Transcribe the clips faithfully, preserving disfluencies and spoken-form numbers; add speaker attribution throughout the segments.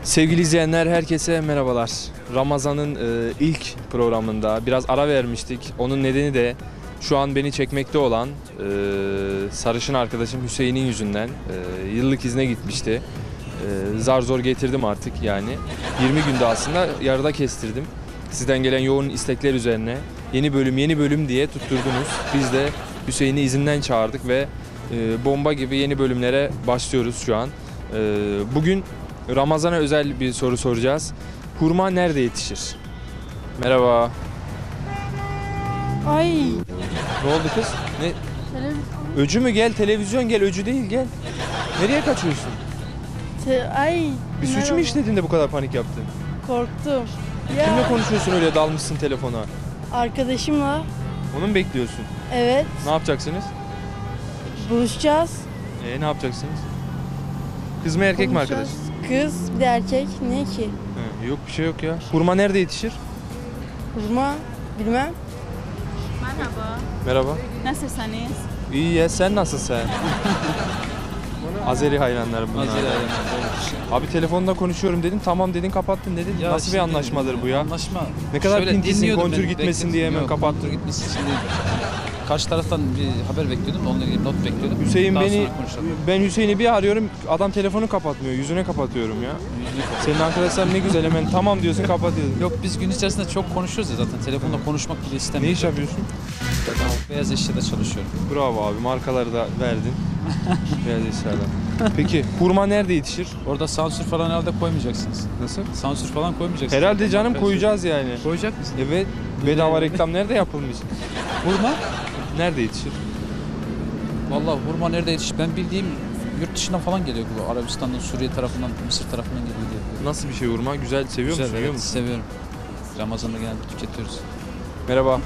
Speaker 1: Sevgili izleyenler, herkese merhabalar. Ramazan'ın e, ilk programında biraz ara vermiştik. Onun nedeni de şu an beni çekmekte olan e, sarışın arkadaşım Hüseyin'in yüzünden e, yıllık izne gitmişti. E, zar zor getirdim artık yani. yirmi günde aslında yarıda kestirdim. Sizden gelen yoğun istekler üzerine yeni bölüm yeni bölüm diye tutturdunuz. Biz de Hüseyin'i izinden çağırdık ve e, bomba gibi yeni bölümlere başlıyoruz şu an. E, bugün Ramazan'a özel bir soru soracağız. Hurma nerede yetişir? Merhaba.
Speaker 2: Ay.
Speaker 1: Ne oldu kız? Ne? Öcü mü? Gel, televizyon gel, öcü değil gel. Nereye kaçıyorsun?
Speaker 2: Te- Ay.
Speaker 1: Bir suç mu
Speaker 2: merhaba.
Speaker 1: işledin de bu kadar panik yaptın?
Speaker 2: Korktum. Ya,
Speaker 1: Kimle konuşuyorsun öyle, dalmışsın telefona?
Speaker 2: arkadaşımla.
Speaker 1: Onu mu bekliyorsun?
Speaker 2: Evet.
Speaker 1: Ne yapacaksınız?
Speaker 2: Buluşacağız.
Speaker 1: Ee, ne yapacaksınız? Kız mı erkek mi
Speaker 2: Buluşacağız.
Speaker 1: arkadaş?
Speaker 2: Kız bir de erkek. Ne ki?
Speaker 1: He, yok bir şey yok ya. Hurma nerede yetişir?
Speaker 2: Hurma. Bilmem.
Speaker 3: Merhaba.
Speaker 1: Merhaba.
Speaker 3: Nasılsınız?
Speaker 1: İyi ya, sen nasılsın? Azeri hayranlarım bunlar.
Speaker 4: Azeri hayranlar.
Speaker 1: Abi telefonda konuşuyorum dedin, tamam dedin, kapattın dedin.
Speaker 4: Ya
Speaker 1: Nasıl bir
Speaker 4: şimdi
Speaker 1: anlaşmadır bu ya?
Speaker 4: Anlaşma.
Speaker 1: Ne kadar
Speaker 4: Şöyle
Speaker 1: pintisin,
Speaker 4: dinliyordum
Speaker 1: kontür
Speaker 4: ben,
Speaker 1: gitmesin
Speaker 4: bekledim.
Speaker 1: diye hemen
Speaker 4: Yok,
Speaker 1: kapattın.
Speaker 4: Kontür gitmesin şimdi. Karşı taraftan bir haber bekliyordum da onunla ilgili not bekliyordum.
Speaker 1: Hüseyin
Speaker 4: Daha
Speaker 1: beni,
Speaker 4: sonra konuşalım.
Speaker 1: ben Hüseyin'i bir arıyorum, adam telefonu kapatmıyor, yüzüne kapatıyorum ya.
Speaker 4: Yüzünü kapat.
Speaker 1: Senin arkadaşlar ne güzel, hemen tamam diyorsun, kapatıyorsun.
Speaker 4: Yok, biz gün içerisinde çok konuşuyoruz ya zaten. Telefonla konuşmak bile
Speaker 1: Ne
Speaker 4: istemiyorum.
Speaker 1: iş yapıyorsun?
Speaker 4: Beyaz eşyada çalışıyorum.
Speaker 1: Bravo abi, markaları da verdin. Beyaz eşyadan. Peki hurma nerede yetişir?
Speaker 4: Orada sansür falan herhalde koymayacaksınız.
Speaker 1: Nasıl?
Speaker 4: Sansür falan koymayacaksınız.
Speaker 1: Herhalde canım,
Speaker 4: Marka
Speaker 1: koyacağız yani.
Speaker 4: eşya. Koyacak mısın?
Speaker 1: Evet, bedava reklam nerede yapılmış?
Speaker 4: Hurma?
Speaker 1: Nerede yetişir?
Speaker 4: Vallahi hurma nerede yetişir? Ben bildiğim yurt dışından falan geliyor bu. Arabistan'dan, Suriye tarafından, Mısır tarafından geliyor diye.
Speaker 1: Nasıl bir şey hurma? Güzel, seviyor
Speaker 4: Güzel,
Speaker 1: musun? Yiyor
Speaker 4: evet,
Speaker 1: musun?
Speaker 4: seviyorum. Ramazan'da genelde tüketiyoruz.
Speaker 1: Merhaba.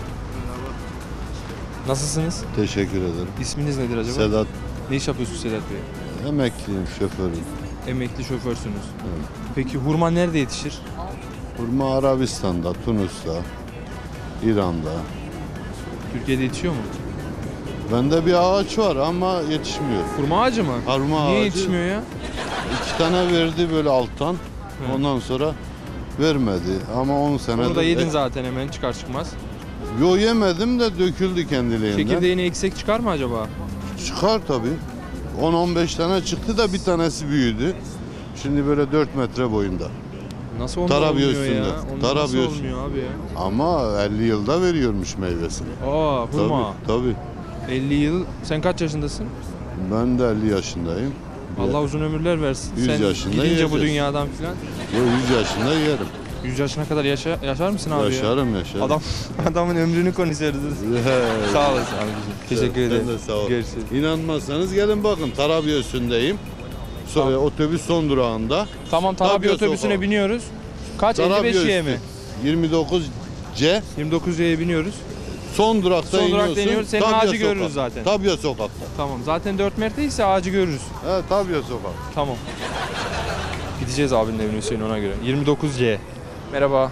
Speaker 1: Nasılsınız?
Speaker 5: Teşekkür ederim.
Speaker 1: İsminiz nedir acaba?
Speaker 5: Sedat,
Speaker 1: Ne iş yapıyorsunuz Sedat Bey?
Speaker 5: emekliyim, şoförüm.
Speaker 1: Emekli şoförsünüz.
Speaker 5: Evet.
Speaker 1: Peki hurma nerede yetişir?
Speaker 5: Hurma Arabistan'da, Tunus'ta, İran'da.
Speaker 1: Türkiye'de yetişiyor mu?
Speaker 5: Bende bir ağaç var ama yetişmiyor.
Speaker 1: Hurma ağacı mı?
Speaker 5: Hurma
Speaker 1: Niye
Speaker 5: ağacı
Speaker 1: yetişmiyor ya?
Speaker 5: iki tane verdi böyle alttan.
Speaker 1: Hı.
Speaker 5: Ondan sonra vermedi ama on senedir.
Speaker 1: Onu da yedin zaten hemen çıkar çıkmaz.
Speaker 5: Yo, yemedim de döküldü kendiliğinden.
Speaker 1: Çekirdeğini eksik çıkar mı acaba?
Speaker 5: Çıkar tabii. on on beş tane çıktı da bir tanesi büyüdü. Şimdi böyle dört metre boyunda.
Speaker 1: Nasıl onda
Speaker 5: Tarabya
Speaker 1: olmuyor
Speaker 5: üstünde.
Speaker 1: ya? Onda
Speaker 5: Tarabya
Speaker 1: nasıl
Speaker 5: üstünde.
Speaker 1: olmuyor abi ya?
Speaker 5: Ama elli yılda veriyormuş meyvesini.
Speaker 1: Aa hurma.
Speaker 5: Tabii, tabii.
Speaker 1: elli yıl. Sen kaç yaşındasın?
Speaker 5: Ben de elli yaşındayım.
Speaker 1: Allah uzun ömürler versin.
Speaker 5: yüz
Speaker 1: Sen
Speaker 5: yaşında
Speaker 1: gidince bu
Speaker 5: yiyeceğiz.
Speaker 1: dünyadan filan
Speaker 5: Yo, yüz yaşında yerim.
Speaker 1: yüz yaşına kadar yaşa, yaşar mısın abi ya?
Speaker 5: Yaşarım yaşarım.
Speaker 1: Adam adamın ömrünü konuşuyoruz. Sağ olasın abiciğim. Teşekkür
Speaker 5: Ben
Speaker 1: ederim.
Speaker 5: de sağ ol.
Speaker 1: Görüşürüz.
Speaker 5: İnanmazsanız gelin bakın, Tarabya üstündeyim. So-
Speaker 1: Tamam.
Speaker 5: Otobüs son durağında.
Speaker 1: Tamam, Tarabya
Speaker 5: Tarabya
Speaker 1: otobüsüne
Speaker 5: sokağı.
Speaker 1: biniyoruz. Kaç?
Speaker 5: Tarabya
Speaker 1: elli beş Y
Speaker 5: üstü.
Speaker 1: mi?
Speaker 5: yirmi dokuz C
Speaker 1: yirmi dokuz Y'ye biniyoruz.
Speaker 5: son durakta
Speaker 1: Son durakta
Speaker 5: iniyorsun.
Speaker 1: iniyoruz, senin
Speaker 5: Tabya
Speaker 1: ağacı görürüz
Speaker 5: sokak.
Speaker 1: zaten.
Speaker 5: Tabya sokakta.
Speaker 1: Tamam. Zaten dört metre ağacı görürüz.
Speaker 5: He, Tabya sokak.
Speaker 1: Tamam. Gideceğiz abinin evine Hüseyin, ona göre. yirmi dokuz C. Merhaba.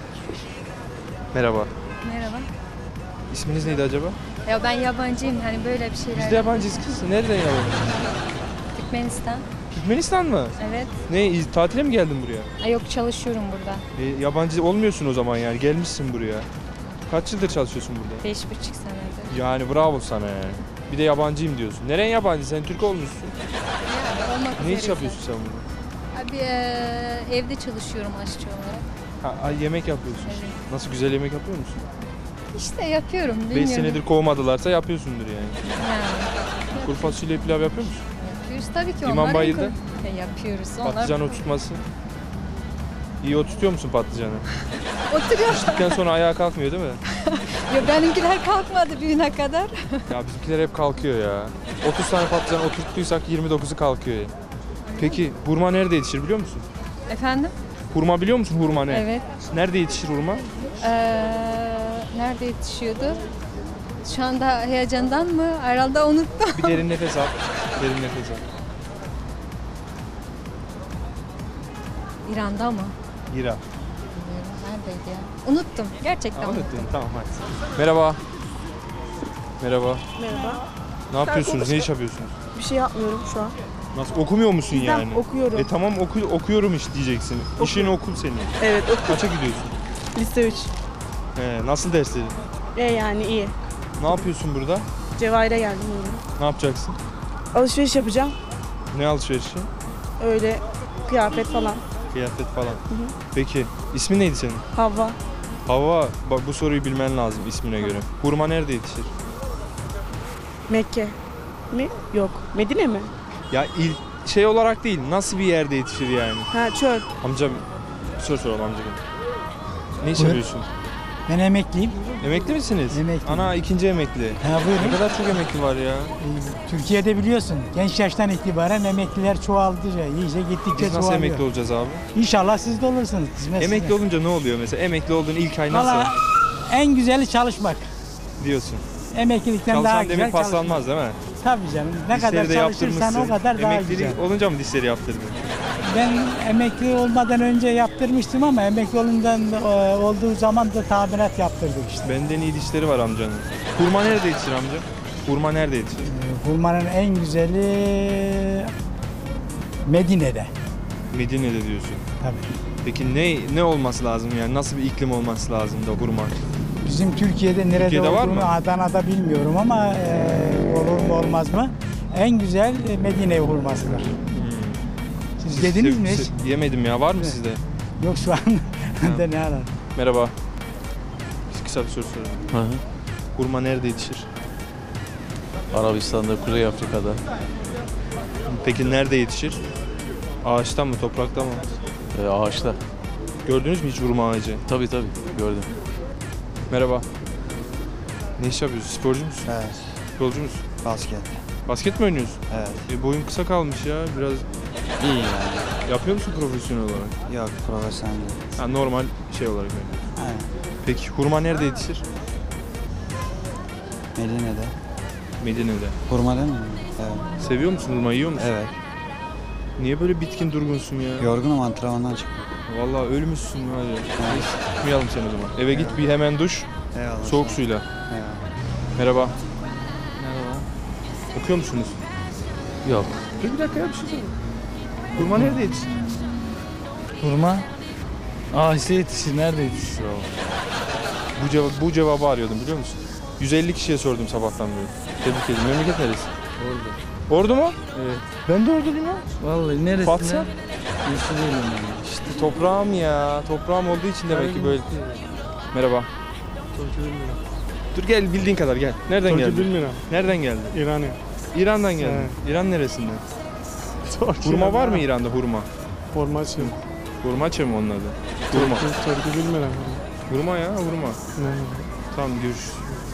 Speaker 1: Merhaba.
Speaker 3: Merhaba.
Speaker 1: İsminiz neydi acaba?
Speaker 3: Ya ben yabancıyım, hani böyle bir şeyler.
Speaker 1: Biz de yabancıyız kız. Nereden yabancı?
Speaker 3: Türkmenistan.
Speaker 1: Türkmenistan mı?
Speaker 3: Evet.
Speaker 1: Ne, iz- tatile mi geldin buraya?
Speaker 3: Ay yok, çalışıyorum burada.
Speaker 1: E, yabancı olmuyorsun o zaman yani. Gelmişsin buraya. Kaç yıldır çalışıyorsun burada?
Speaker 3: Beş buçuk senedir.
Speaker 1: Yani bravo sana yani. Bir de yabancıyım diyorsun. Neren yabancı? Sen Türk olmuşsun.
Speaker 3: Yani olmak
Speaker 1: Ne iş
Speaker 3: üzere.
Speaker 1: yapıyorsun sen burada?
Speaker 3: Abi eee, evde çalışıyorum aşçı olarak.
Speaker 1: Ha, ay, yemek yapıyorsun.
Speaker 3: Evet.
Speaker 1: Nasıl, güzel yemek yapıyor musun?
Speaker 3: İşte yapıyorum.
Speaker 1: beş
Speaker 3: bilmiyorum.
Speaker 1: senedir kovmadılarsa yapıyorsundur yani.
Speaker 3: Yani.
Speaker 1: Kuru fasulye pilav yapıyor musun?
Speaker 3: Yapıyoruz tabii ki.
Speaker 1: İmam
Speaker 3: onların
Speaker 1: Bayıldı.
Speaker 3: ko- Ya yapıyoruz. Onlar
Speaker 1: Patlıcan oturtması. İyi oturtuyor musun patlıcanı?
Speaker 3: oturuyor.
Speaker 1: Piştikten sonra ayağa kalkmıyor değil mi?
Speaker 3: Ya benimkiler kalkmadı büyüne kadar.
Speaker 1: Ya bizimkiler hep kalkıyor ya. otuz tane patlıcan oturttuysak yirmi dokuzu kalkıyor ya. Peki hurma nerede yetişir biliyor musun?
Speaker 3: Efendim?
Speaker 1: Hurma biliyor musun, hurma ne?
Speaker 3: Evet.
Speaker 1: Nerede yetişir hurma?
Speaker 3: Ee, nerede yetişiyordu? Şu anda heyecandan mı? Herhalde unuttum.
Speaker 1: Bir derin nefes al. Derin nefes al.
Speaker 3: İran'da mı?
Speaker 1: İran.
Speaker 3: Bilmiyorum. Neredeydi ya? Unuttum. Gerçekten unuttum.
Speaker 1: Anlattın, tamam hadi. Merhaba. Merhaba.
Speaker 2: Merhaba.
Speaker 1: Ne yapıyorsunuz? Ne iş yapıyorsunuz?
Speaker 2: Bir şey yapmıyorum şu an.
Speaker 1: Nasıl okumuyor musun
Speaker 6: Bizden
Speaker 1: yani?
Speaker 6: okuyorum.
Speaker 1: E tamam oku, okuyorum iş diyeceksin. İşin okul senin.
Speaker 6: Evet, oku.
Speaker 1: Kaça gidiyorsun?
Speaker 6: Lise üç.
Speaker 1: He, nasıl dersleri?
Speaker 6: E yani iyi.
Speaker 1: Ne yapıyorsun burada?
Speaker 6: Cevahir'e geldim yine.
Speaker 1: Ne yapacaksın?
Speaker 6: Alışveriş yapacağım.
Speaker 1: Ne alışverişi?
Speaker 6: Öyle kıyafet falan.
Speaker 1: Kıyafet falan. Peki ismin neydi senin?
Speaker 6: Havva.
Speaker 1: Hava, bak bu soruyu bilmen lazım ismine göre. Hurma nerede yetişir?
Speaker 6: Mekke. Mi? Yok. Medine mi?
Speaker 1: Ya il, şey olarak değil, nasıl bir yerde yetişir yani?
Speaker 6: Ha çöl.
Speaker 1: Amca bir soru soralım amca. Ne iş yapıyorsun?
Speaker 7: Ben emekliyim.
Speaker 1: Emekli misiniz?
Speaker 7: Emekliyim.
Speaker 1: Ana ikinci emekli.
Speaker 7: Ha
Speaker 1: Ne
Speaker 7: buyurun.
Speaker 1: kadar çok emekli var ya.
Speaker 7: Ee, Türkiye'de biliyorsun genç yaştan itibaren emekliler çoğaldı. İyice gittikçe
Speaker 1: Biz nasıl
Speaker 7: çoğalıyor.
Speaker 1: emekli olacağız abi?
Speaker 7: İnşallah siz de olursunuz. Hizmet
Speaker 1: Emekli
Speaker 7: size.
Speaker 1: olunca ne oluyor mesela? Emekli olduğun ilk ay nasıl
Speaker 7: Valla en güzeli çalışmak.
Speaker 1: diyorsun?
Speaker 7: Emeklilikten daha
Speaker 1: Çalışan
Speaker 7: güzel
Speaker 1: demir
Speaker 7: çalışmak.
Speaker 1: paslanmaz değil mi?
Speaker 7: Tabii canım. Ne kadar
Speaker 1: Dişleri de
Speaker 7: çalışırsan
Speaker 1: yaptırmışsın.
Speaker 7: o kadar daha
Speaker 1: Emeklilik
Speaker 7: güzel.
Speaker 1: olunca mı dişleri yaptırdın?
Speaker 7: Ben emekli olmadan önce yaptırmıştım ama emekli olundan e, olduğu zaman da tamirat yaptırdık işte.
Speaker 1: Benden iyi dişleri var amcanın. Hurma nerede yetişir amca? Hurma nerede yetişir?
Speaker 7: Ee, Hurmanın en güzeli Medine'de.
Speaker 1: Medine'de diyorsun.
Speaker 7: Tabii.
Speaker 1: Peki ne ne olması lazım yani? Nasıl bir iklim olması lazım da hurma?
Speaker 7: Bizim Türkiye'de nerede
Speaker 1: Türkiye'de var
Speaker 7: olduğunu
Speaker 1: mı?
Speaker 7: Adana'da bilmiyorum ama e, olur mu olmaz mı? En güzel e, Medine hurmasıdır. Siz yediniz mi hiç?
Speaker 1: Siz- Yemedim ya. Var mı
Speaker 7: Evet.
Speaker 1: sizde?
Speaker 7: Yok şu an de ne arar?
Speaker 1: Merhaba. Biz kısa bir soru soralım. Hurma nerede yetişir?
Speaker 8: Arabistan'da, Kuzey Afrika'da.
Speaker 1: Peki nerede yetişir? Ağaçta mı, toprakta mı?
Speaker 8: E, ağaçta.
Speaker 1: Gördünüz mü hiç hurma ağacı?
Speaker 8: Tabii tabii gördüm.
Speaker 1: Merhaba. Ne iş yapıyorsun? Sporcu musun?
Speaker 9: Evet,
Speaker 1: Futbolcu musun?
Speaker 9: basket.
Speaker 1: Basket mi oynuyorsun?
Speaker 9: Evet.
Speaker 1: E, boyun kısa kalmış ya. Biraz
Speaker 9: İyi yani.
Speaker 1: yapıyor musun profesyonel olarak?
Speaker 9: Yok, profesyonel değil.
Speaker 1: Ha, normal şey olarak oynuyorsun.
Speaker 9: Aynen.
Speaker 1: Peki hurma nerede yetişir?
Speaker 9: Medine'de.
Speaker 1: Medine'de.
Speaker 9: Hurma değil mi? Evet.
Speaker 1: Seviyor musun hurma? Yiyor musun?
Speaker 9: Evet.
Speaker 1: Niye böyle bitkin durgunsun ya?
Speaker 9: Yorgunum, antrenmandan çıktım.
Speaker 1: Vallahi ölmüşsün var ya. Neyse, tutmayalım seni o zaman. Eve git bir hemen duş,
Speaker 9: Eyvallah.
Speaker 1: soğuk suyla.
Speaker 9: Eyvallah.
Speaker 1: Merhaba. Merhaba. Okuyor musunuz?
Speaker 8: Yok.
Speaker 1: Dur bir dakika ya bir şey söyle. Hurma nerede yetişir?
Speaker 10: Hurma ağaçta yetişir. Nerede yetişir o?
Speaker 1: Bu, cevap, bu cevabı arıyordum biliyor musun? yüz elli kişiye sordum sabahtan beri. Tebrik ederim. Memleket neresi?
Speaker 10: Orada.
Speaker 1: Ordu mu?
Speaker 10: Evet.
Speaker 1: Ben de Orduluyum ya.
Speaker 10: Vallahi neresi?
Speaker 1: Fatsa?
Speaker 10: Nasıl değilim ben.
Speaker 1: İşte toprağım ya. Toprağım olduğu için demek ki böyle. Merhaba. Dur gel bildiğin kadar gel. Nereden
Speaker 11: Türkiye
Speaker 1: geldin?
Speaker 11: bilmiyorum.
Speaker 1: Nereden geldin?
Speaker 11: İran'ı.
Speaker 1: İran'dan geldin.
Speaker 11: Evet.
Speaker 1: İran neresinden? Hurma var mı İran'da hurma?
Speaker 11: Forması.
Speaker 1: Hurmaçı mı onun adı? Hurma.
Speaker 11: Türkiye, Türkiye bilmiyorum.
Speaker 1: Hurma ya hurma.
Speaker 11: Ne?
Speaker 1: Tamam görüşürüz.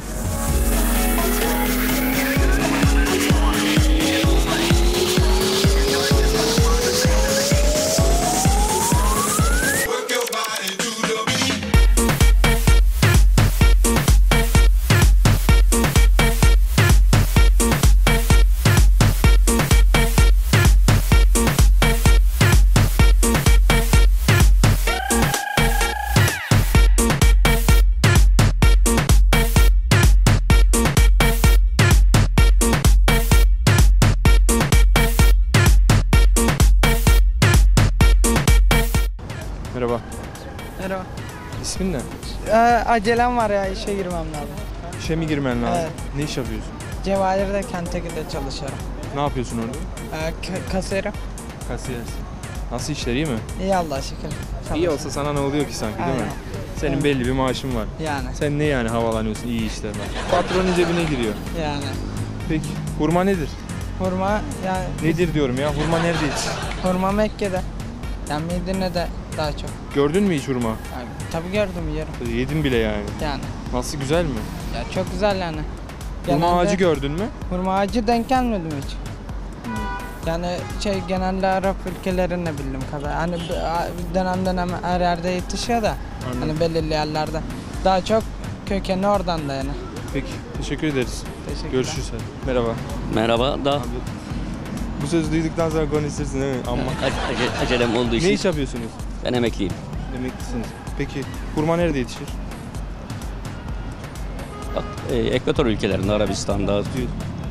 Speaker 1: Merhaba.
Speaker 6: Merhaba.
Speaker 1: İsmin ne?
Speaker 6: Ee, acelem var ya, işe girmem lazım.
Speaker 1: İşe mi girmen lazım?
Speaker 6: Evet.
Speaker 1: Ne iş yapıyorsun?
Speaker 6: Cevahir'de Kentucky'de çalışıyorum.
Speaker 1: Ne yapıyorsun orada?
Speaker 6: Ee, k- kasiyerim.
Speaker 1: Kasiyersin. Nasıl işler iyi mi?
Speaker 6: İyi Allah'a şükür.
Speaker 1: İyi
Speaker 6: Çalışıyorum.
Speaker 1: olsa sana ne oluyor ki sanki değil mi?
Speaker 6: Aynen.
Speaker 1: Senin
Speaker 6: Evet.
Speaker 1: belli bir maaşın var.
Speaker 6: Yani.
Speaker 1: Sen ne yani havalanıyorsun iyi işler var. Patronun cebine giriyor.
Speaker 6: Yani.
Speaker 1: Peki hurma nedir?
Speaker 6: Hurma yani
Speaker 1: Nedir diyorum ya hurma nerede yetişir?
Speaker 6: hurma Mekke'de. Yani Medine'de daha çok.
Speaker 1: Gördün mü hiç hurma?
Speaker 6: Yani, tabii gördüm yerim.
Speaker 1: Yedin bile yani.
Speaker 6: Yani.
Speaker 1: Nasıl güzel mi?
Speaker 6: Ya çok güzel yani.
Speaker 1: Hurma
Speaker 6: Genelde
Speaker 1: ağacı gördün mü?
Speaker 6: Hurma ağacı denk gelmedim hiç. Yani şey genelde Arap ülkelerinde bildiğim kadar. Hani b- dönem dönem her yerde yetişiyor da. Hani belirli yerlerde. Daha çok kökeni oradan da yani.
Speaker 1: Peki teşekkür ederiz.
Speaker 6: Teşekkürler.
Speaker 1: Görüşürüz hadi. Merhaba.
Speaker 12: Merhaba da
Speaker 1: Bu sözü duyduktan sonra konuşursun değil mi? Ama
Speaker 12: ace- acelem olduğu
Speaker 1: ne
Speaker 12: için
Speaker 1: iş yapıyorsunuz?
Speaker 12: ben emekliyim.
Speaker 1: Emeklisiniz. Peki hurma nerede yetişir?
Speaker 12: Bak, e, Ekvator ülkelerinde, Arabistan'da,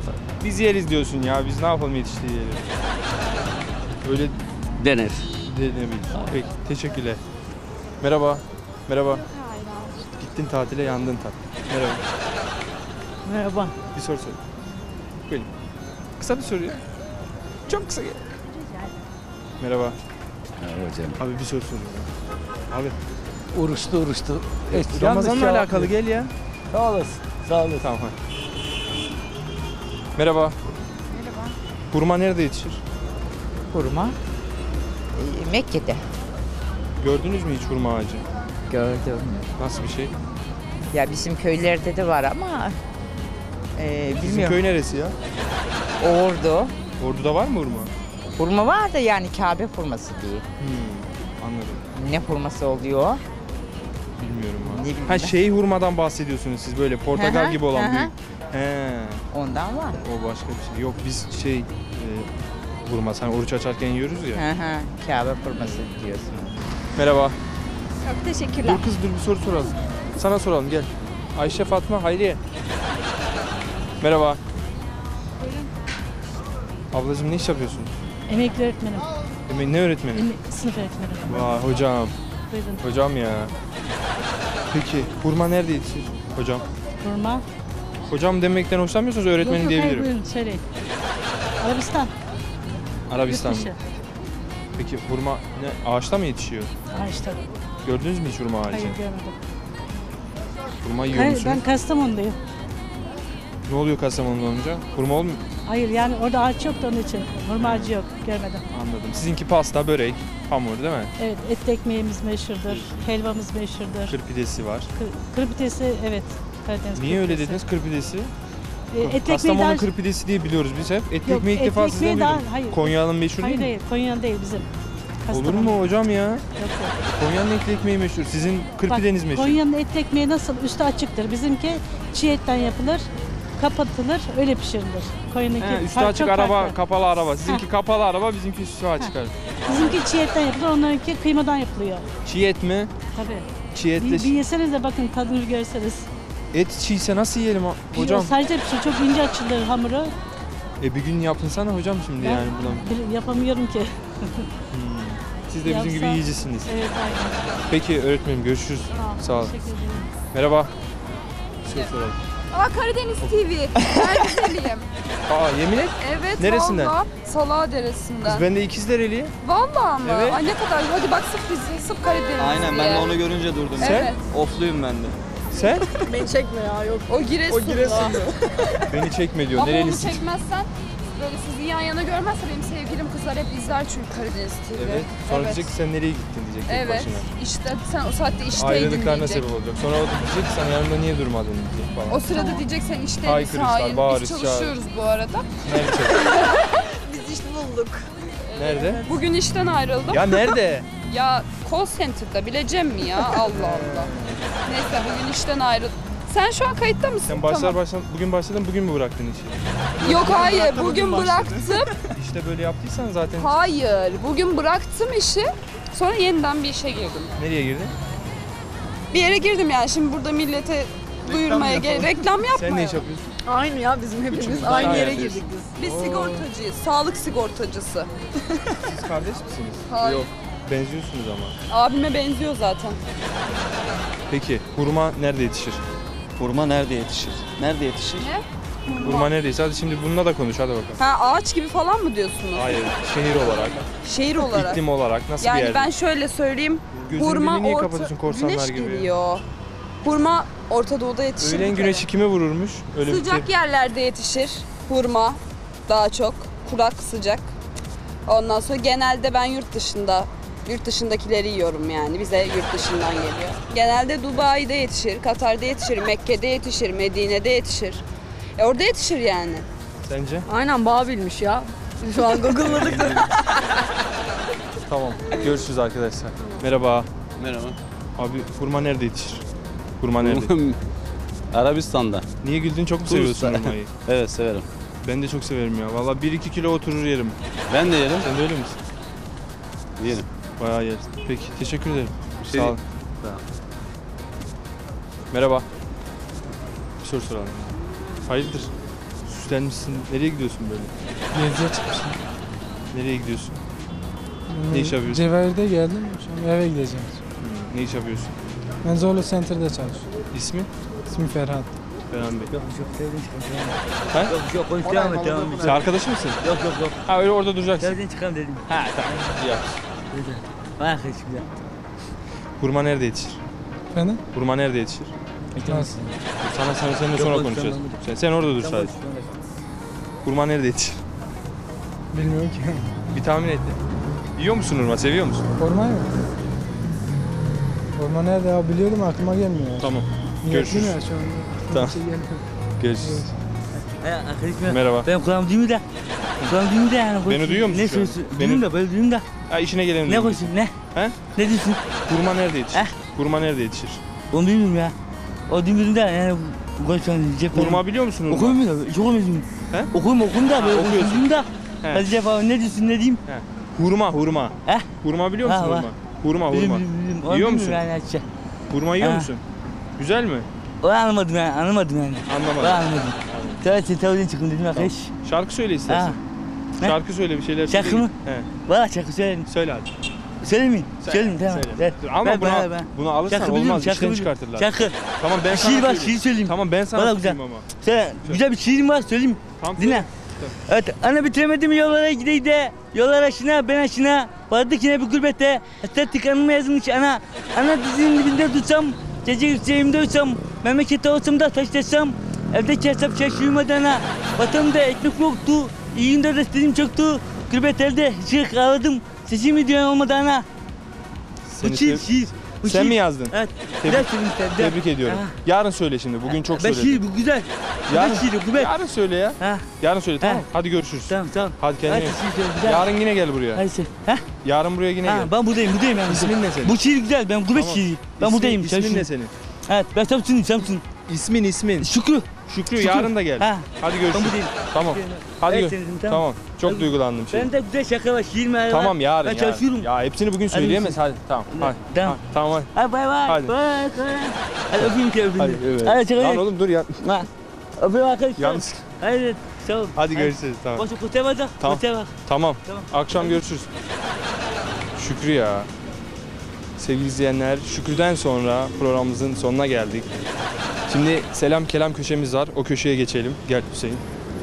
Speaker 1: Biz yeriz diyorsun ya. Biz ne yapalım yetiştiği yeri. Öyle
Speaker 12: Denir.
Speaker 1: denebilir. Peki teşekkürler. Merhaba. Merhaba. Gittin tatile yandın tat. Merhaba.
Speaker 7: Merhaba.
Speaker 1: Bir soru sor. Buyurun. Kısa bir soru ya. Çok kısa. Merhaba.
Speaker 8: Merhaba canım.
Speaker 1: Abi bir soru soruyorum. Abi.
Speaker 8: Uğraştı uğraştı.
Speaker 1: Ramazan'la alakalı gel ya.
Speaker 8: Sağ olasın. Sağ olasın.
Speaker 1: Tamam hadi. Merhaba. Merhaba. Hurma nerede yetişir?
Speaker 6: Hurma
Speaker 13: Mekke'de
Speaker 1: Gördünüz mü hiç hurma ağacı?
Speaker 13: gördüm.
Speaker 1: Nasıl bir şey?
Speaker 13: Ya bizim köylerde de var ama e,
Speaker 1: Bizim
Speaker 13: bilmiyorum.
Speaker 1: köy neresi ya?
Speaker 13: Ordu.
Speaker 1: Ordu'da var mı hurma?
Speaker 13: Hurma var da yani Kabe hurması diye.
Speaker 1: Hmm, anladım.
Speaker 13: Ne hurması oluyor?
Speaker 1: Bilmiyorum abi.
Speaker 13: Ne bileyim
Speaker 1: Ha
Speaker 13: ben.
Speaker 1: şey hurmadan bahsediyorsunuz siz böyle portakal
Speaker 13: Hı hı,
Speaker 1: gibi olan
Speaker 13: hı hı.
Speaker 1: büyük. He.
Speaker 13: Ondan var.
Speaker 1: O başka bir şey. Yok biz şey e, hurma hani oruç açarken yiyoruz ya.
Speaker 13: Hı hı. Kabe hurması diyorsun.
Speaker 1: Merhaba.
Speaker 3: Çok teşekkürler.
Speaker 1: Dur kız dur bir soru soralım. Sana soralım gel. Ayşe, Fatma, Hayriye. Merhaba. Ablacığım ne iş yapıyorsun?
Speaker 7: Emekli öğretmenim.
Speaker 1: Emin ne öğretmeni?
Speaker 7: Sınıf öğretmenim.
Speaker 1: Vay hocam.
Speaker 7: Buyurun.
Speaker 1: Hocam ya. Peki hurma nerede yetişir hocam?
Speaker 7: Hurma.
Speaker 1: Hocam demekten hoşlanmıyorsanız öğretmenim diyebilirim.
Speaker 7: Buyurun söyleyin. Arabistan.
Speaker 1: Arabistan mı?
Speaker 7: Yurt dışı.
Speaker 1: Peki hurma ne ağaçta mı yetişiyor?
Speaker 7: Ağaçta.
Speaker 1: Gördünüz mü hiç hurma ağacı?
Speaker 7: Hayır görmedim.
Speaker 1: Hurma yiyor
Speaker 7: Hayır,
Speaker 1: musunuz?
Speaker 7: ben Kastamonu'dayım.
Speaker 1: Ne oluyor Kastamonu'da olunca? Hurma olmuyor.
Speaker 7: Hayır yani orada ağaç yok da onun için. Hurma ağacı yok. Görmedim.
Speaker 1: Anladım. Sizinki pasta, börek, hamur değil mi?
Speaker 7: Evet, etli ekmeğimiz meşhurdur. Helvamız meşhurdur.
Speaker 1: Kır pidesi var.
Speaker 7: Kır, kır pidesi evet. Karadeniz
Speaker 1: Niye
Speaker 7: kır
Speaker 1: öyle
Speaker 7: pidesi.
Speaker 1: dediniz kır pidesi?
Speaker 7: E, etli ekmeği
Speaker 1: Kastamonu
Speaker 7: daha...
Speaker 1: kır pidesi diye biliyoruz biz hep. Etli
Speaker 7: Yok,
Speaker 1: ekmeği ilk
Speaker 7: etli
Speaker 1: defa sizden
Speaker 7: ekmeği daha-
Speaker 1: duydum.
Speaker 7: hayır.
Speaker 1: Konya'nın meşhur
Speaker 7: Hayır
Speaker 1: değil mi?
Speaker 7: hayır, Konya değil bizim.
Speaker 1: Olur
Speaker 7: Kastamonu.
Speaker 1: mu hocam ya?
Speaker 7: Yok yok.
Speaker 1: Konya'nın etli ekmeği meşhur. Sizin kır
Speaker 7: Bak,
Speaker 1: pideniz meşhur.
Speaker 7: Konya'nın etli ekmeği nasıl? Üstü açıktır. Bizimki çiğ etten yapılır, kapatılır, öyle pişirilir. Konya'nınki
Speaker 1: He, üstü
Speaker 7: fark-
Speaker 1: açık
Speaker 7: çok
Speaker 1: araba,
Speaker 7: farklı.
Speaker 1: kapalı araba. Sizinki kapalı araba, bizimki üstü açık araba.
Speaker 7: Bizimki çiğ etten yapılır, onlarınki kıymadan yapılıyor.
Speaker 1: Çiğ et mi?
Speaker 7: Tabii.
Speaker 1: Çiğ etle.
Speaker 7: Bir, bir yeseniz de bakın tadını görseniz.
Speaker 1: Et çiğse nasıl yiyelim ha- hocam?
Speaker 7: Bir, sadece pişir, çok ince açılır hamuru.
Speaker 1: E bir gün yapınsana hocam şimdi
Speaker 7: Ben
Speaker 1: yani buna.
Speaker 7: bir- yapamıyorum ki.
Speaker 1: Siz de bizim gibi
Speaker 7: Yapsa-
Speaker 1: yiyicisiniz.
Speaker 7: Evet aynen.
Speaker 1: Peki öğretmenim görüşürüz. Sağ olun.
Speaker 7: Teşekkür ederim.
Speaker 1: Merhaba. Bir şey soralım.
Speaker 3: Aa Karadeniz T V. Ben güzeliyim.
Speaker 1: Aa yemin et.
Speaker 3: Evet
Speaker 1: Neresinden?
Speaker 3: valla. Salağa Deresi'nden.
Speaker 1: Kız ben de İkizdereliyim.
Speaker 3: Valla mı?
Speaker 1: Evet.
Speaker 3: Ay ne kadar. Hadi bak sırf bizi, sırf Karadeniz
Speaker 9: Aynen ben
Speaker 3: diye.
Speaker 9: de onu görünce durdum.
Speaker 1: Sen?
Speaker 3: Evet.
Speaker 9: Ofluyum ben de.
Speaker 1: Sen?
Speaker 2: Beni çekme ya yok.
Speaker 3: O Giresunlu.
Speaker 1: Beni çekme diyor.
Speaker 3: Ama onu
Speaker 1: Nerelisin?
Speaker 3: çekmezsen böyle sizi yan yana görmezse benim sevgilim kızlar hep izler çünkü Karadeniz T V.
Speaker 1: Evet. Sonra
Speaker 3: Evet.
Speaker 1: diyecek ki sen nereye gittin diyecek tek
Speaker 3: Evet.
Speaker 1: başına.
Speaker 3: İşte sen o saatte işteydin
Speaker 1: Ayrılıklarına
Speaker 3: diyecek.
Speaker 1: sebep olacak. Sonra o da diyecek ki sen yanımda niye durmadın diyecek falan.
Speaker 3: O sırada diyecek sen işteydin
Speaker 1: Haykırışlar,
Speaker 3: Şahin.
Speaker 1: bağırış,
Speaker 3: Biz çalışıyoruz bu arada.
Speaker 1: Nerede?
Speaker 2: Biz iş bulduk.
Speaker 1: Nerede?
Speaker 3: Bugün işten ayrıldım.
Speaker 1: Ya nerede?
Speaker 3: Ya call center'da bileceğim mi ya? Allah Allah. Neyse bugün işten ayrıldım. Sen şu an kayıtta mısın?
Speaker 1: Sen başlar
Speaker 3: Tamam.
Speaker 1: başlar bugün başladın bugün mü bıraktın işi?
Speaker 3: Yok hayır bugün bıraktım.
Speaker 1: İşte böyle yaptıysan zaten
Speaker 3: Hayır bugün bıraktım işi. Sonra yeniden bir işe girdim.
Speaker 1: nereye girdin?
Speaker 3: Bir yere girdim yani şimdi burada millete duyurmaya gerek reklam yapmaya.
Speaker 1: Sen ne iş yapıyorsun?
Speaker 2: Aynı ya bizim hepimiz
Speaker 1: Üçümüz
Speaker 2: aynı
Speaker 1: aynı
Speaker 2: yere
Speaker 1: yerdeyiz.
Speaker 2: girdik biz.
Speaker 3: Biz sigortacıyız. Sağlık sigortacısı.
Speaker 1: Siz kardeş misiniz?
Speaker 3: Hayır.
Speaker 1: Yok. Benziyorsunuz ama.
Speaker 3: Abime benziyor zaten.
Speaker 1: Peki hurma nerede yetişir?
Speaker 9: Hurma nerede yetişir? Nerede yetişir?
Speaker 3: Ne?
Speaker 1: Hurma neredeyse. Hadi şimdi bununla da konuş hadi bakalım.
Speaker 3: Ha ağaç gibi falan mı diyorsunuz?
Speaker 1: Hayır, şehir olarak,
Speaker 3: Şehir olarak.
Speaker 1: iklim olarak nasıl bir
Speaker 3: Yani
Speaker 1: yerde?
Speaker 3: ben şöyle söyleyeyim.
Speaker 1: Gözünü
Speaker 3: Hurma
Speaker 1: beni niye
Speaker 3: orta...
Speaker 1: kapatıyorsun korsanlar
Speaker 3: Güneş
Speaker 1: gibi?
Speaker 3: geliyor. Hurma Orta Doğu'da yetişir.
Speaker 1: Öğlen
Speaker 3: bir kere.
Speaker 1: güneşi kime vururmuş? Öyle bir
Speaker 3: Sıcak
Speaker 1: şey.
Speaker 3: yerlerde yetişir. Hurma daha çok. Kurak sıcak. Ondan sonra genelde ben yurt dışında yurt dışındakileri yiyorum yani. Bize yurt dışından geliyor. Genelde Dubai'de yetişir, Katar'da yetişir, Mekke'de yetişir, Medine'de yetişir. E orada yetişir yani.
Speaker 1: Sence?
Speaker 2: Aynen Babil'miş ya. Şu an Google'ladık da.
Speaker 1: Tamam. Görüşürüz arkadaşlar. Merhaba.
Speaker 8: Merhaba.
Speaker 1: Abi hurma nerede yetişir? Hurma nerede?
Speaker 8: Arabistan'da.
Speaker 1: Niye güldün? Çok mu seviyorsun
Speaker 8: Bursa.
Speaker 1: hurmayı?
Speaker 8: Evet severim.
Speaker 1: Ben de çok severim ya. Vallahi bir iki kilo oturur yerim.
Speaker 8: Ben de yerim.
Speaker 1: Sen de öyle misin?
Speaker 8: Yerim.
Speaker 1: Bayağı yersin. Peki teşekkür ederim.
Speaker 8: şey
Speaker 1: Sağ ol.
Speaker 8: Sağ ol.
Speaker 1: Merhaba. Bir soru soralım. Hayırdır? Süsten Yükselmişsin. Nereye gidiyorsun böyle?
Speaker 11: Geziye çıkmışım.
Speaker 1: Nereye gidiyorsun? Ne iş yapıyorsun?
Speaker 11: Cevahir'de geldim. Şu an eve gideceğim.
Speaker 1: Ne iş yapıyorsun?
Speaker 11: Ben Zorlu Center'da çalışıyorum.
Speaker 1: İsmi?
Speaker 11: İsmim Ferhat.
Speaker 1: Ferhan Bey.
Speaker 10: Yok yok sevdiğin çıkalım.
Speaker 1: Ha?
Speaker 10: Yok yok konuş devam et devam et.
Speaker 1: Sen arkadaşı mısın?
Speaker 10: Yok yok yok.
Speaker 1: Ha öyle orada duracaksın.
Speaker 10: Sevdiğin çıkalım dedim.
Speaker 1: Ha tamam. İyi yap.
Speaker 10: Güzel. Bak şimdi.
Speaker 1: Hurma nerede yetişir?
Speaker 11: Efendim?
Speaker 1: Hurma nerede yetişir?
Speaker 11: Nasıl?
Speaker 1: Sana sana seninle
Speaker 10: Yok,
Speaker 1: sonra
Speaker 10: konuş,
Speaker 1: konuşacağız.
Speaker 10: tamam.
Speaker 1: Sen, sen orada dur
Speaker 10: Sen
Speaker 1: sadece.
Speaker 10: konuş, sen konuş.
Speaker 1: Hurma nerede yetişir?
Speaker 11: Bilmiyorum ki.
Speaker 1: Bir tahmin et. Yiyor musun hurma? Seviyor musun?
Speaker 11: Orman mı? Orman nerede ya? Biliyordum aklıma gelmiyor.
Speaker 1: Tamam.
Speaker 11: Niyetliyim
Speaker 1: Görüşürüz.
Speaker 11: ya şu an.
Speaker 1: Tamam.
Speaker 11: Bir şey gelmiyor.
Speaker 1: Görüşürüz.
Speaker 10: He arkadaşım.
Speaker 1: Merhaba.
Speaker 10: Ben kulağım duymuyor da. Kulağım duymuyor da yani.
Speaker 1: Beni duyuyor musun
Speaker 10: Ne
Speaker 1: şu an?
Speaker 10: söylüyorsun?
Speaker 1: Beni-
Speaker 10: Duyuyorum da böyle duyuyorum da.
Speaker 1: Ha işine gelelim.
Speaker 10: Ne
Speaker 1: diyorum.
Speaker 10: konuşuyorsun ne?
Speaker 1: He?
Speaker 10: Ne diyorsun?
Speaker 1: Hurma nerede yetişir?
Speaker 10: He?
Speaker 1: Hurma nerede yetişir?
Speaker 10: Onu bilmiyorum ya. O duymuyorum da yani konuşuyorum.
Speaker 1: Hurma biliyor musun hurma?
Speaker 10: Okuyayım mı? Hiç okumuyorum.
Speaker 1: He?
Speaker 10: Okuyayım okuyayım da böyle
Speaker 1: okuyorsun.
Speaker 10: okuyayım da.
Speaker 1: He.
Speaker 10: Hadi cevap ne diyorsun ne diyeyim?
Speaker 1: He. Hurma hurma.
Speaker 10: He?
Speaker 1: Hurma biliyor musun
Speaker 10: Ha,
Speaker 1: hurma?
Speaker 10: var.
Speaker 1: Hurma hurma.
Speaker 10: Biliyorum, biliyorum, biliyorum. Onu
Speaker 1: Yiyor
Speaker 10: bilmiyorum
Speaker 1: musun?
Speaker 10: Yani açça.
Speaker 1: Hurma yiyor
Speaker 10: Ha.
Speaker 1: musun? Güzel mi?
Speaker 10: Onu anlamadım yani anlamadım yani.
Speaker 1: Anlamadım.
Speaker 10: Ben anlamadım. Tabii sen tabii çıkın dedim arkadaş.
Speaker 1: Şarkı söyle istersen.
Speaker 10: Ha. Ne?
Speaker 1: Şarkı söyle bir şeyler
Speaker 10: Şarkı
Speaker 1: söyle.
Speaker 10: mı?
Speaker 1: He.
Speaker 10: Valla şarkı söylerim.
Speaker 1: Söyle hadi.
Speaker 10: Söyleyeyim mi?
Speaker 1: Söyle,
Speaker 10: Söyleyeyim tamam.
Speaker 1: söyle.
Speaker 10: Ver.
Speaker 1: Dur, ama
Speaker 10: Ver
Speaker 1: buna-
Speaker 10: bana, ver.
Speaker 1: bunu alırsan
Speaker 10: Şarkı
Speaker 1: olmaz,
Speaker 10: biliyorum,
Speaker 1: işten
Speaker 10: şarkı biliyorum.
Speaker 1: çıkartırlar.
Speaker 10: Şarkı.
Speaker 1: Tamam ben
Speaker 10: Bir
Speaker 1: sana
Speaker 10: şiir var
Speaker 1: söyleyeyim.
Speaker 10: şiir söyleyeyim.
Speaker 1: Tamam ben sana
Speaker 10: Valla güzel.
Speaker 1: tutayım ama.
Speaker 10: Söyle. Güzel bir şiirim var söyleyeyim.
Speaker 1: Tamam,
Speaker 10: Dinle.
Speaker 1: söyle.
Speaker 10: Evet, ana bitiremedim yollara gideyim de, yollar aşına ben aşına, vardık yine bir gurbette, estetik anıma yazılmış ana, ana dizinin dibinde tutsam, gece yükseğimde uçsam, memlekette olsam da taşlasam, evdeki hesap şaş uyumadı ana, vatanımda ekmek yoktu, iyi günde desteğim çoktu, gurbet elde çığlık ağladım, sesimi duyan olmadı ana.
Speaker 1: Seni
Speaker 10: Bu şiir,
Speaker 1: sev-
Speaker 10: şiir. Bu
Speaker 1: Sen
Speaker 10: şiir.
Speaker 1: mi yazdın?
Speaker 10: Evet.
Speaker 1: Tebrik-
Speaker 10: Bir daha söyleyeyim işte, bir daha.
Speaker 1: Tebrik ediyorum.
Speaker 10: Ha.
Speaker 1: Yarın söyle şimdi. Bugün çok
Speaker 10: Ben
Speaker 1: söyledin.
Speaker 10: şiir, bu güzel.
Speaker 1: Yarın,
Speaker 10: Yarın şiiri, gurbet.
Speaker 1: yarın söyle ya.
Speaker 10: Ha.
Speaker 1: Yarın söyle tamam.
Speaker 10: Ha.
Speaker 1: Hadi görüşürüz.
Speaker 10: Tamam, tamam.
Speaker 1: Hadi kendine.
Speaker 10: Hadi
Speaker 1: iyi
Speaker 10: şiir
Speaker 1: bak.
Speaker 10: söyle, güzel.
Speaker 1: Yarın yine gel buraya.
Speaker 10: Hadi söyle. Ha?
Speaker 1: Yarın buraya yine
Speaker 10: Ha,
Speaker 1: gel.
Speaker 10: ben buradayım, buradayım yani.
Speaker 1: İsmin ne senin?
Speaker 10: Bu şiir güzel, ben gurbet
Speaker 1: Tamam.
Speaker 10: şiiri. Ben
Speaker 1: İsmin-
Speaker 10: buradayım.
Speaker 1: İsmin
Speaker 10: çalışıyorum.
Speaker 1: ne senin?
Speaker 10: Evet, ben Samsun'um, Samsun.
Speaker 1: İsmin ismin.
Speaker 10: Şükrü.
Speaker 1: Şükrü,
Speaker 10: Şükrü.
Speaker 1: yarın da gel.
Speaker 10: Ha.
Speaker 1: Hadi
Speaker 10: Ben
Speaker 1: görüşürüz.
Speaker 10: buradayım.
Speaker 1: Tamam. Hadi
Speaker 10: Evet,
Speaker 1: gör.
Speaker 10: senin,
Speaker 1: Tamam.
Speaker 10: tamam.
Speaker 1: Çok
Speaker 10: Hadi.
Speaker 1: duygulandım şimdi.
Speaker 10: Ben de güzel şaka var, şiir mi var?
Speaker 1: Tamam yarın.
Speaker 10: Ben
Speaker 1: yarın.
Speaker 10: çalışıyorum.
Speaker 1: Ya hepsini bugün söyleyemez. Hadi tamam. Hadi.
Speaker 10: Tamam.
Speaker 1: Ha, tamam hadi.
Speaker 10: Hadi bay bay.
Speaker 1: Hadi.
Speaker 10: Bay bay. Hadi öpeyim ki öpeyim.
Speaker 1: Hadi. Evet.
Speaker 10: Hadi çakal.
Speaker 1: Lan oğlum dur ya.
Speaker 10: Ha. Öpeyim arkadaşlar.
Speaker 1: Yalnız.
Speaker 10: Hadi. Sağ ol.
Speaker 1: Hadi görüşürüz. Tamam.
Speaker 10: Boşu kutaya bak.
Speaker 1: Tamam.
Speaker 10: Kutaya bak.
Speaker 1: Tamam.
Speaker 10: Tamam.
Speaker 1: Akşam görüşürüz. Şükrü ya. Sevgili izleyenler, Şükrü'den sonra programımızın sonuna geldik. Şimdi selam kelam köşemiz var. O köşeye geçelim. Gel Hüseyin.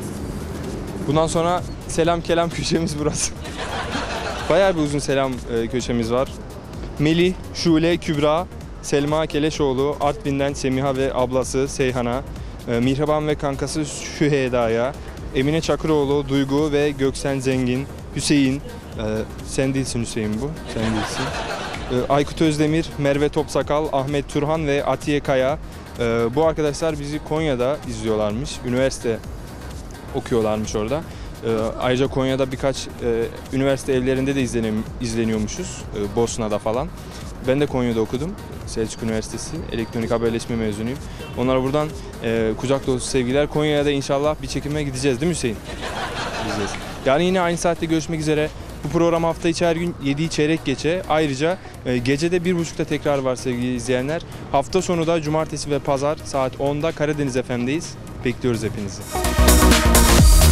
Speaker 1: Bundan sonra selam kelam köşemiz burası. Bayağı bir uzun selam e, köşemiz var. Melih, Şule, Kübra, Selma Keleşoğlu, Artvin'den Semiha ve ablası Seyhan'a, e, Mihraban ve kankası Şüheyda'ya, Emine Çakıroğlu, Duygu ve Göksen Zengin, Hüseyin, e, sen değilsin Hüseyin bu, sen değilsin. E, Aykut Özdemir, Merve Topsakal, Ahmet Turhan ve Atiye Kaya. E, bu arkadaşlar bizi Konya'da izliyorlarmış, üniversite okuyorlarmış orada. E, ayrıca Konya'da birkaç e, üniversite evlerinde de izlenim, izleniyormuşuz, e, Bosna'da falan. Ben de Konya'da okudum. Selçuk Üniversitesi Elektronik Haberleşme mezunuyum. Onlara buradan e, kucak dolusu sevgiler. Konya'ya da inşallah bir çekime gideceğiz değil mi Hüseyin? Gideceğiz. Yani yine aynı saatte görüşmek üzere. Bu program hafta içi her gün yediği çeyrek geçe. Ayrıca e, gecede bir buçukta tekrar var sevgili izleyenler. Hafta sonu da cumartesi ve pazar saat onda Karadeniz F M'deyiz. Bekliyoruz hepinizi.